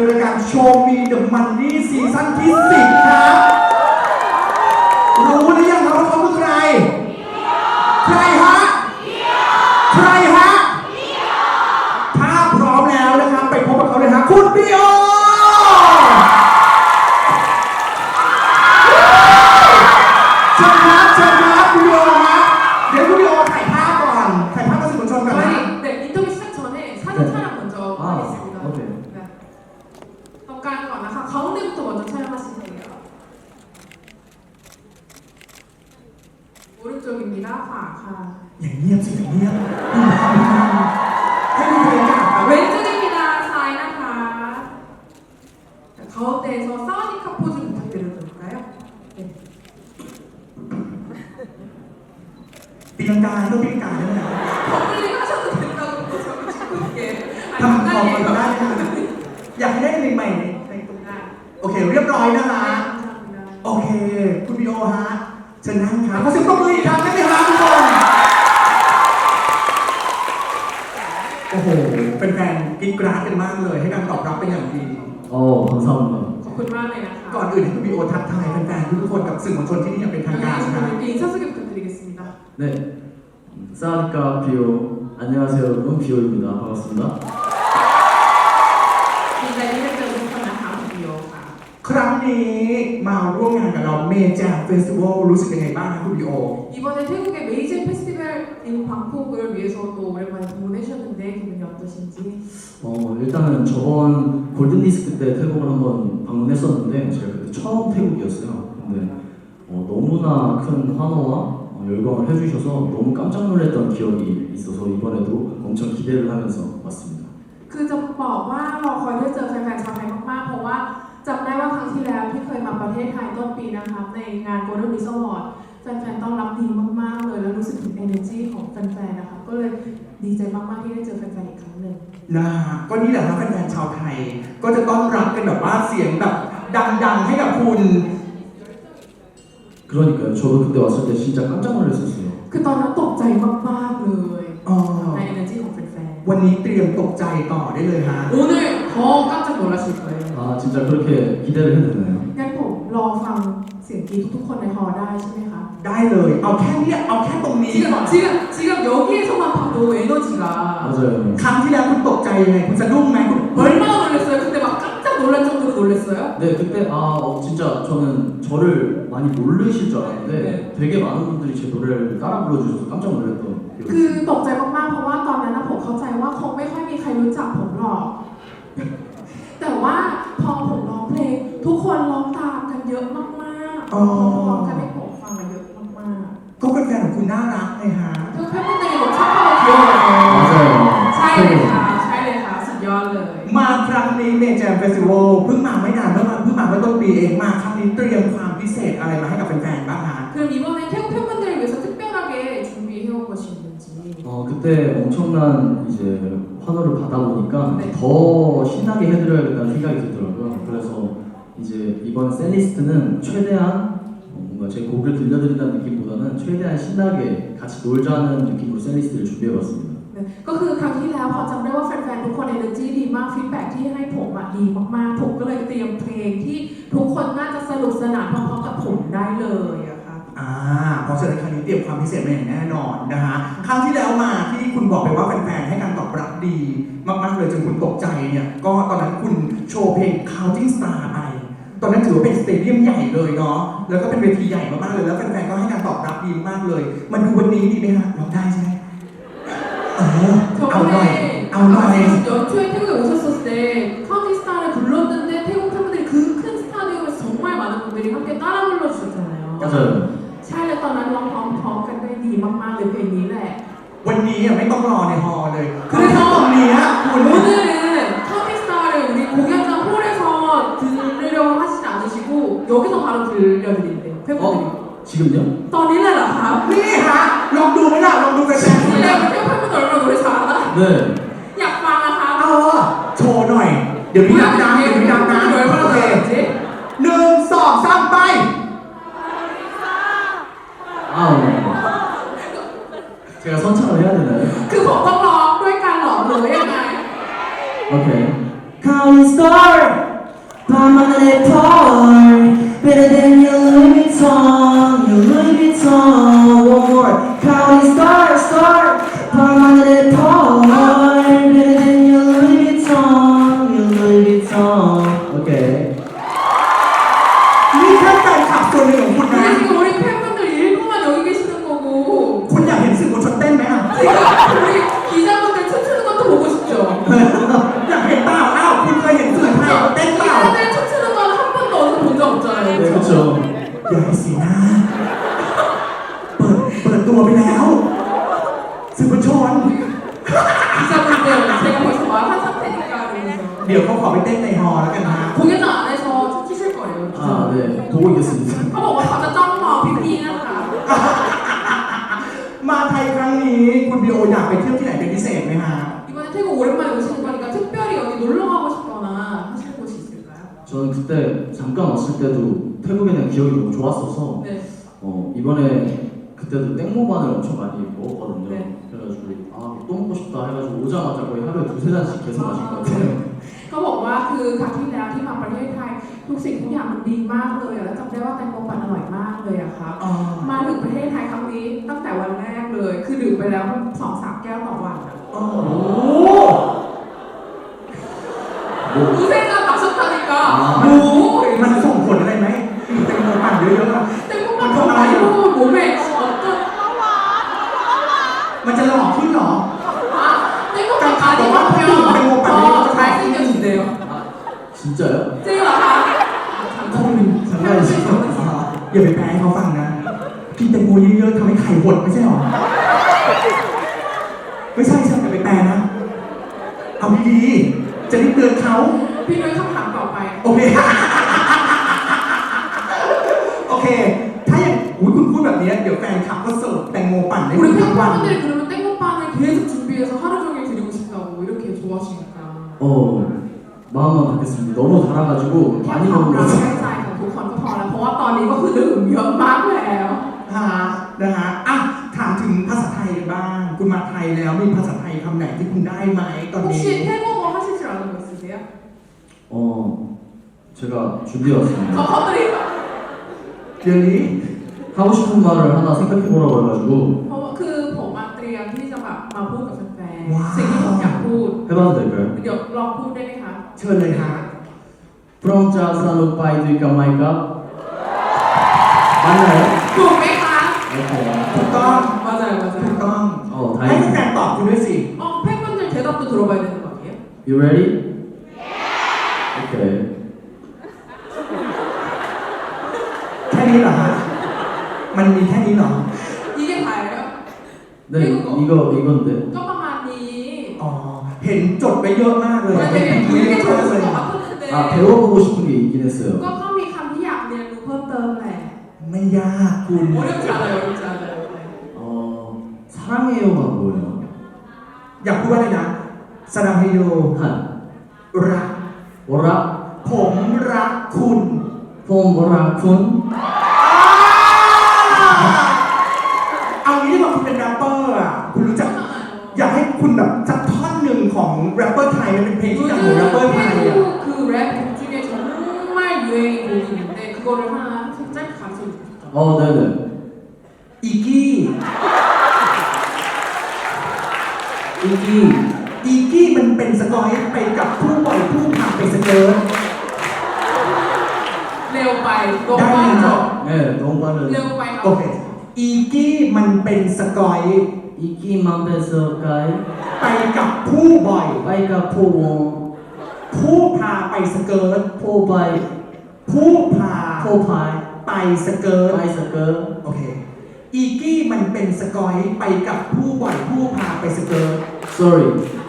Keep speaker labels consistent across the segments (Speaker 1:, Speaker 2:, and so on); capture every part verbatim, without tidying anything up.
Speaker 1: รายการ Show Me the Money ซีซั่นที่สิบครับรู้หรือยังครับว่าเขาคือใครใครฮะใครฮะถ้าพร้อมแล้วนะครับไปพบกับเขาเลยฮะคุณพี่โอเชิญครับเชิญครับคุณพี่โอฮะเดี๋ยวคุณพี่โอถ่ายภาพก่อนถ่ายภาพกับสื่อมวลชนก่อนนะ
Speaker 2: 네, 인터뷰 시작 전에 사진 촬영 먼저 하겠습니다.
Speaker 3: 아, 오케이.
Speaker 2: 네. 잠깐 나가 가운데부터 먼저 촬영하시면 돼요. 오른쪽입니다. 과, 가.
Speaker 1: อย่างเงียบสิอย่างเงียบให้ดูบรรยากาศครับ
Speaker 2: 왼쪽입니다. 사이 나가. 자, 가운데에서 사우디카 포즈 부탁드려도 될까요? 네.
Speaker 1: ปีลังกาเรื่องปีลังกาได้ไหมครับ
Speaker 2: 버블링 하셔도 된다고 저기 찍고 있게.
Speaker 1: ทำของมันได้นะอยากให้ได้เพลงใหม่ในในตรงนั้นโอเคเรียบร้อยนะคะ โอเคคุณพี่โอฮะเชิญนั่งครับขอเสียงปรบมืออีกครั้งได้ไหมครับทุกคนโอ้โหเป็นแฟนกิ๊กกราดกันมากเลยให้การตอบรับเป็นอย่างดี
Speaker 3: 어, 감사합니다.
Speaker 2: ขอบคุณมากเลยนะคะ
Speaker 1: ก่อนอื่นให้คุณพี่โอทักทายแฟนๆทุกคนกับสื่อมวลชนที่นี่อย่างเป็นทางการนะครับ
Speaker 2: 이렇게 인사 소개 부탁드리겠습니다.
Speaker 3: 네, 사우디카 비오 안녕하세요, 여러분 비오입니다. 반갑습니다.
Speaker 2: ดีใจที่ได้เจอทุกคนนะคะคุณพี่โอค่ะ
Speaker 1: ครั้งนี้มาร่วมงานกับเราเมเจอร์เฟสติวัลรู้สึกยังไงบ้างครับคุณพี่โอ
Speaker 2: 이번에 태국의 메이저 페스티벌인 방콕을 위해서 또 오랜만에 방문해주셨는데 기분이 어떠신지?
Speaker 3: 어, 일단은 저번 골든디스크 때 태국을 한번 방문했었는데 제가 그때 처음 태국이었어요. 근데 어, 너무나 큰 환호와 어, 열광을 해주셔서 너무 깜짝 놀랐던 기억이 있어서 이번에도 엄청 기대를 하면서 왔습니다.
Speaker 2: คือจะบอกว่ารอคอยได้เจอแฟนๆชาวไทยมากๆเพราะว่าจำได้ว่าครั้งที่แล้วที่เคยมาประเทศไทยต้นปีนะคะในงาน Golden Disc Award แฟนๆต้อนรับดีมากๆเลยแล้วรู้สึกถึง energy ของแฟนๆนะคะก็เลยดีใจมากๆที่ได้เจอแฟนๆอีกครั้งหนึ่ง
Speaker 1: นะฮะก็นี่แหละครับแฟนๆชาวไทยก็จะต้อนรับกันแบบว่าเสียงแบบดังๆให้กับคุณ
Speaker 3: 그러니까요. 저도 그때 왔을 때 진짜 깜짝 놀랐었어요.
Speaker 2: คือตอนนั้นตกใจมากๆเลย
Speaker 1: อ๋อ
Speaker 2: ใน energy ของแฟน
Speaker 1: วันนี้เตรียมตกใจต่อได้เลยฮะ
Speaker 2: ๆ 오늘 더 깜짝 놀라실 거예요.
Speaker 3: 아, 진짜 그렇게 기대를 해도 되나요?
Speaker 2: งั้นผมรอฟังเสียงกรี๊ดทุกๆคนในฮอลล์ได้ใช่ไหมคะ
Speaker 1: ได้เลยเอาแค่เนี้ยเอาแค่ตรงนี้
Speaker 2: 지금
Speaker 1: ก่อน
Speaker 2: 지금 지금 여기에서만 봐도 에너지가
Speaker 3: 맞아요.
Speaker 1: ครั้งที่แล้วคุณตกใจยังไงคุณสะดุ้งไหมคุณเฮ้ย
Speaker 2: 얼마나 놀랐어요? 그때 막 깜짝 놀랄 정도로 놀랐어요?
Speaker 3: 네, 그때 아 어, 진짜 저는 저를 많이 모르실 줄 알았는데
Speaker 2: 네.
Speaker 3: 되게 많은 분들이 제 노래를 따라 불러주셔서 깜짝 놀랐던
Speaker 2: คือ
Speaker 3: 기억이
Speaker 2: ตกใจมากๆเพราะว่าตอนนั้นนะผมเข้าใจว่าคงไม่ค่อยมีใครรู้จักผมหรอก แต่ว่าพอผมร้องเพลงทุกคนร้องตามกันเยอะมากๆ
Speaker 1: อ๋อ
Speaker 2: ร้องกันให้ผมฟังกันเยอะมาก
Speaker 1: ก็แฟนๆของคุณน่ารักไงฮะ
Speaker 2: ๆทุก팬분들이 너무 착하고 귀여워요.
Speaker 3: 맞아요.
Speaker 2: ใช่เลยค่ะใช่เลยค่ะสุดยอดเลย
Speaker 1: มาครั้งนี้เมเจอร์เฟสติวัลเพิ่งมาไม่นานเมื่อมาเพิ่งมาเมื่อต้นปีเองมาครั้งนี้เตรียมความพิเศษอะไรมาให้กับแฟนๆบ้างฮะ
Speaker 2: 그럼 이번에 태국 팬분들을 위해서 특별하게 준비해온 것이 있는지.
Speaker 3: 어 그때 엄청난 이제 환호를 받아 보니까
Speaker 2: 네.
Speaker 3: 더 신나게 해드려야겠다는 생각이 들더라고요. 그래서 이제 이번 셀리스트는 최대한 어, 뭔가 제 곡을 들려드린다는 느낌보다는 최대한 신나게 같이 놀자는 느낌으로 셀리스트를 준비해봤습니다.
Speaker 2: ก็คือครั้งที่แล้วพอจำได้ว่าแฟนๆทุกคน energy ดีมากฟีดแบ็กที่ให้ผมอะดีมากๆผมก็เลยเตรียมเพลงที่ทุกคนน่าจะสนุกสนานพร้อมๆกับผมได้เลยอะค่ะ
Speaker 1: อ่าเพราะฉะนั้นครั้งนี้เตรียมความพิเศษมาอย่างแน่นอนนะฮะครั้งที่แล้วมาที่คุณบอกไปว่าแฟนๆให้การตอบรับดีมากๆเลยจนคุณตกใจเนี่ยก็ตอนนั้นคุณโชว์เพลง Counting Star ไปตอนนั้นถือว่าเป็นสเตเดียมใหญ่เลยเนาะแล้วก็เป็นเวทีใหญ่มากๆเลยแล้วแฟนๆก็ให้การตอบรับดีมากเลยมันดูวันนี้ดีไหมฮะร้องได้ใช่ไหมเออเอาหน่อยเอาหน่อย
Speaker 2: 연초에 태국에 오셨을 때 카운티스타를 불렀는데 태국 팬분들이 그 큰 스타디움에서 정말 많은 분들이 함께 따라 불러주셨잖아요.
Speaker 3: 맞아요.
Speaker 2: ใช่แล้วตอนนั้นร้องพร้อมๆกันได้ดีมากๆเลยเพลงนี้แหละ
Speaker 1: วันนี้อ่ะไม่ต้องรอในฮอลล์เลยคือถ้าตรงนี้คุณ
Speaker 2: 오늘은 카운티스타를 우리 공연장 홀에서 들으려고 하시지 않으시고 여기서 바로 들려드린대요 팬분들이.
Speaker 3: 어? 지금요?
Speaker 2: ตอนนี้เลยเหรอคะ
Speaker 1: นี่ฮะลองดูไหมล่ะลองดูแฟนๆดู
Speaker 2: 원래
Speaker 1: นะ
Speaker 2: 태국 팬분들 얼마나 노래 잘하나?
Speaker 3: 네.
Speaker 2: อยากฟังนะคะ
Speaker 1: เออโชว์หน่อย เดี๋ยวพี่นับน้ำเดี๋ยวพี่นับน้ำ
Speaker 2: 팬분들이
Speaker 1: โอ
Speaker 2: 얼마나
Speaker 1: เค
Speaker 2: 잘하는지
Speaker 1: หนึ่งสองสามไป
Speaker 3: 아 제가 선창을 해야 되나요?
Speaker 2: คือผมต้องร้องด้วยกันเหรอหรือยังไง
Speaker 3: 오케이. Counting star 밤하늘의 펄 Better than your Louis Vuitton Your Louis Vuitton One more Counting star star 밤하늘의 펄 Better than your Louis Vuitton Your Louis Vuitton Okay
Speaker 1: นี่แค่แฟนคลับส่วนหนึ่งของคุณนะ
Speaker 2: 근데 지금 우리 팬분들 일부만 여기 계시는 거고
Speaker 1: คุณอยากเห็นสื่อมวลชนเต้นไหมอ่ะ
Speaker 2: 지금 우리 기자분들 춤추는 것도 보고 싶죠?
Speaker 1: อยากเห็นเปล่าอ้าวคุณเคยเห็นสื่อไทยเต้นเปล่า
Speaker 2: 기자들 춤추는 건 한 번도 어디서 본 적 없잖아요.
Speaker 3: 네
Speaker 2: 그렇죠?
Speaker 3: 그쵸
Speaker 1: อย่าให้สีหน้า เปิด เปิดตัวไปแล้ว สื่อมวลชน
Speaker 2: 기자분들 제가 벌써 말한 상태니까 그러면서
Speaker 1: เดี๋ยวเขาขอไปเต้นในฮอลล์แล้วกันนะ
Speaker 2: 공연장 안에서 춤추실 거예요.
Speaker 3: 아네 보고 있겠습니다
Speaker 2: เขาบอกว่าเขาจะจ้องมองพี่ๆนะคะ
Speaker 1: มาไทยครั้งนี้คุณบีโออยากไปเที่ยวที่ไหนเป็นพิเศษไหมฮะ
Speaker 2: 이번에 태국 오랜만에 오시는 거니까 특별히 여기 놀러 가고 싶거나 하실 곳이 있을까요?
Speaker 3: 저는 그때 잠깐 왔을 때도 태국에 대한 기억이 너무 좋았어서
Speaker 2: 네.
Speaker 3: 어, 이번에 그때도 땡모반을 엄청 많이 먹었거든요.
Speaker 2: 네.
Speaker 3: 그래가지고 아, 또 먹고 싶다 해가지고 오자마자 거의 하루에 두세 잔씩 계속 마신 것 같아요.
Speaker 2: เขาบอกว่าคือครั้งที่แล้วที่มาประเทศไทยทุกสิ่งทุกอย่างมันดีมากเลยอะแล้วจำได้ว่าแตงโมปั่นอร่อยมากเลยอะครับ
Speaker 1: อ๋อ
Speaker 2: มาถึงประเทศไทยครั้งนี้ตั้งแต่วันแรกเลย คือดื่มไปแล้วสองสามแก้วต่อวันอะ
Speaker 1: โอ้โห
Speaker 2: ดูเส้นการตักสุดท้ายก็
Speaker 1: โอ้โหมันส่งผลอะไรไหมกินแตงโมปั่นเยอะๆอะ
Speaker 2: แต่พวกมันทำอะไรรู้หมูเมฆอดจน
Speaker 1: มันจะหล่อขึ้นเหรอ
Speaker 2: อ่ะแต่พวกมันอาจจะว่าเพียงพอใช้สิ่งเดียวเดียว
Speaker 3: 아 진짜요?
Speaker 2: จริงเหรอคะ
Speaker 1: คุณ
Speaker 3: 장난이시죠? 아,
Speaker 1: อย่าไปแปลให้เขาฟังนะ กินแตงโมเยอะๆทำให้ไข่หดไม่ใช่หรอ ไม่ใช่ใช่อย่าไปแปลนะ เอาดีๆจะได้เตือนเขา
Speaker 2: พี่นุ้ยคำถามต่อไป
Speaker 1: โอเค โอเค ถ้าอย่างอุ๊ยคุณพูดแบบนี้เดี๋ยวแฟนคลับก็เสิร์ฟแตงโมปั่นให้คุ
Speaker 2: 우리
Speaker 1: ณทั้งวัน
Speaker 2: 팬분들이 그러면 땡모빵을 계속 준비해서 하루 종일 드리고 싶다고 이렇게 좋아하시니까
Speaker 3: 어 마음만 받겠습니다. 너무 달아가지고
Speaker 2: แค่
Speaker 3: 많이
Speaker 2: ความ
Speaker 3: 먹는
Speaker 2: รัก
Speaker 3: 거죠.
Speaker 2: แค่ใจของทุกคนก็พอแล้ว เพราะว่าตอนนี้ก็คือดื่มเยอะมากแล้ว
Speaker 1: ฮะนะฮะอ่ะถามถึงภาษาไทยบ้าง คุณมาไทยแล้วมีภาษาไทยคำไหนที่คุณได้ไหมตอนนี้
Speaker 2: 혹시 태국어 하실 줄 아는 거 있으세요?
Speaker 3: 어 제가 준비해왔습니다.
Speaker 2: ขอเขาตรี
Speaker 1: เดี๋ยวนี้
Speaker 3: 하고 싶은 말을 하나 생각해보라고 해가지고
Speaker 2: เพราะว่าคือผมมาเตรียมที่จะแบบมาพูดกับแฟน
Speaker 1: ว้าว
Speaker 2: ๆสิ่งที่ผมอยากพูด
Speaker 3: 해봐도 될까요?
Speaker 2: เดี๋ยวลองพูดได้ไหมคะ
Speaker 1: เชิญเลยฮะ
Speaker 3: From Jasan Opai to Kamaika 맞나요?
Speaker 2: ถูกไหมคะ
Speaker 3: 오케이.
Speaker 1: ถูกต้อง
Speaker 2: 맞아요
Speaker 1: ถูก
Speaker 2: 맞아요
Speaker 1: ต้อง
Speaker 3: 어
Speaker 1: ให้
Speaker 3: 다행이다.
Speaker 1: แฟนๆตอบคุณด้วยสิ
Speaker 2: 어 팬분들 대답도 들어봐야 되는 거 아니에요?
Speaker 3: You ready? 오케이.
Speaker 1: แค่นี้เหรอฮะ มันมีแค่นี้เหรอ
Speaker 2: 이게 다예요?
Speaker 3: 네 이거 이건데.
Speaker 2: ก็ประมาณนี้
Speaker 1: อ๋อ เห็นจดไปเยอะมากเลย
Speaker 2: มัน
Speaker 1: เห็
Speaker 2: เป็น น
Speaker 1: เย
Speaker 2: คุยกัน
Speaker 1: อะ
Speaker 2: จ
Speaker 1: มาก
Speaker 2: น
Speaker 1: เลย
Speaker 2: สมองคุณเด
Speaker 3: 아 배워보고 싶은 게 있긴 했어요.
Speaker 2: ก็ก็มีคำที่อยากเรียนรู้เพิ่มเติมแหละ
Speaker 1: ไม่ยากคุณ
Speaker 2: 어렵지 않아요 어렵지 않아요
Speaker 3: 어 사랑해요가 뭐예요?
Speaker 1: อยากพูดว่าอะไรนะสรังเฮโย
Speaker 3: 한
Speaker 1: รัก
Speaker 3: 뭐라?
Speaker 1: ผมรักคุณ
Speaker 3: 폼 뭐라 쿤?
Speaker 1: เอางี้ดีกว่าคุณเป็นแรปเปอร์อ่ะ คุณรู้จัก อยากให้คุณแบบสักท่อนหนึ่งของแรปเปอร์ไทยมันเป็นเพลงที่ดังของแรปเปอร์
Speaker 2: 요즘
Speaker 1: ไทยอ่ะ
Speaker 2: 태국 그랩곡 중에 정말 유행인 곡이 있는데 그거를 하나 짧게 가르쳐 주시죠
Speaker 3: 어 네네.
Speaker 1: อีกี้
Speaker 3: 이기
Speaker 1: อีกี้มันเป็นสกอยไปกับผู้ปล่อยผู้พาไปสเกิร์ต
Speaker 2: 레오파이 너무
Speaker 1: 나
Speaker 2: 빠르죠?
Speaker 3: 네 너무 빠른.
Speaker 2: เร็วไป
Speaker 1: โอเค อีกี้มันเป็นสกอย
Speaker 3: 이기만 뺏어가이
Speaker 1: ไปกับผู้บ่อย
Speaker 3: 빠이가 포옹
Speaker 1: ผู้พาไปสเกิร์ต
Speaker 3: 포바이
Speaker 1: ผู้พา
Speaker 3: 포파이
Speaker 1: ไปสเกิร์ต
Speaker 3: 빠이서그
Speaker 1: โอเค อีกี้มันเป็นสกอยไปกับผู้บ่อยผู้พาไปสเกิร์ต
Speaker 3: sorry.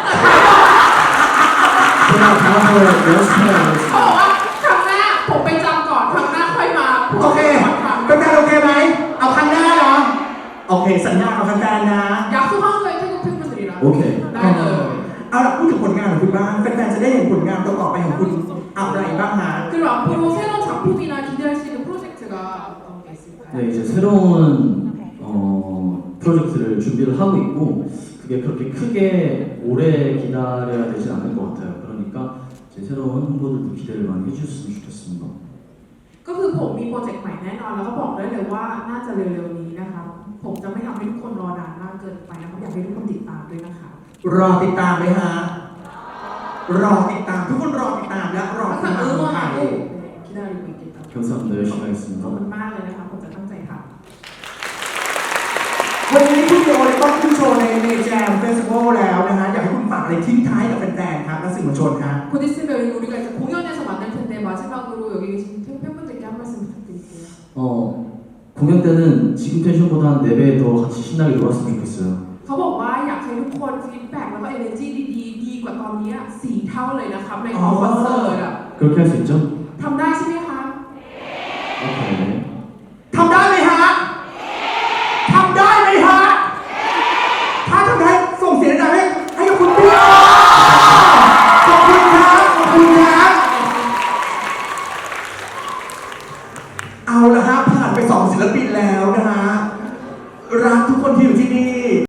Speaker 3: 제가 다음에 연습해야겠습니다.
Speaker 2: เขาบอกว่าครั้งหน้าผมไปจำก่อนครั้งหน้าค่อยมาพูด
Speaker 1: โอเค
Speaker 2: ก่อนครั้ง
Speaker 1: เป็นการโอเคไหม เอาครั้งหน้าเนาะ โอเค สัญญากับแฟนๆนะ
Speaker 2: 약속한 거예요 태국 팬분들이랑
Speaker 3: 오케이.
Speaker 2: 나는
Speaker 1: เอาล่ะพูดถึงผลงานของคุณบ้างแฟนๆจะได้เห็นผลงานต่อๆไปของคุณอะไรบ้างฮะ
Speaker 2: 그리고 앞으로 새로운 작품이나 기대할 수 있는 프로젝트가 어떤 게 있을까요?
Speaker 3: 네 이제 새로운 어, 프로젝트를 준비를 하고 있고 그게 그렇게 크게 오래 기다려야 되지 않을 것 같아요. 그러니까 이제 새로운 홍보들도 기대를 많이 해주셨으면 좋겠습니다.
Speaker 2: ก็คือผมมีโปรเจกต์ใหม่แน่นอนแล้วก็บอกได้เลยว่าน่าจะเร็วๆนี้นะคะผมจะไม่ทำให้ทุกคนรอนานมากเกินไปนะครับอยากให้ทุกคนติดตามด้วยนะคะ
Speaker 1: รอติดตามไหมฮะ รอติดตามทุกคนรอติดตามและรอติด
Speaker 2: 항상
Speaker 1: ตามคนไทย
Speaker 2: 응원하고 네, 기다리고 있겠다.
Speaker 3: 감사합니다. 열심히
Speaker 2: ขอบ
Speaker 3: 하겠습니다.
Speaker 2: คุณมากเลยนะคะผมจะตั้งใจทำ
Speaker 1: วันนี้คุณโยเลยต้องขึ้นโชว์ในในแจมเฟสติวัลแล้วนะฮะอยากให้คุณฝากอะไรทิ้งท้ายกับแฟนๆครับและสื่อมวลชนครับ
Speaker 2: 곧 있으면 우리가 이제 공연에서 만날 텐데 마지막으로 여기 계신 팬분들께 한 말씀 부탁드릴게요.
Speaker 3: 어, 공연 때는 지금 텐션보다 한 네 배 더 같이 신나게 놀았으면 좋겠어요.
Speaker 2: เขาบอกว่าอยากให้ทุกคนฟีดแบ็กแล้วก็ energy ดีๆดีกว่าตอนนี้สี่เท่าเลยนะครับในคอนเสิร์ตอ่ะ
Speaker 3: 그렇게 할 수 있죠?
Speaker 2: ทำได้ใช่ไหมคะ
Speaker 3: 오케이.
Speaker 1: ทำได้ไหมฮะทำได้ไหมฮะถ้าทำได้ส่งเสียงดังให้ให้กับคุณด้วยขอบคุณครับขอบคุณครับเอาละฮะผ่านไปสองศิลปินแล้วนะฮะรักทุกคนที่อยู่ที่นี่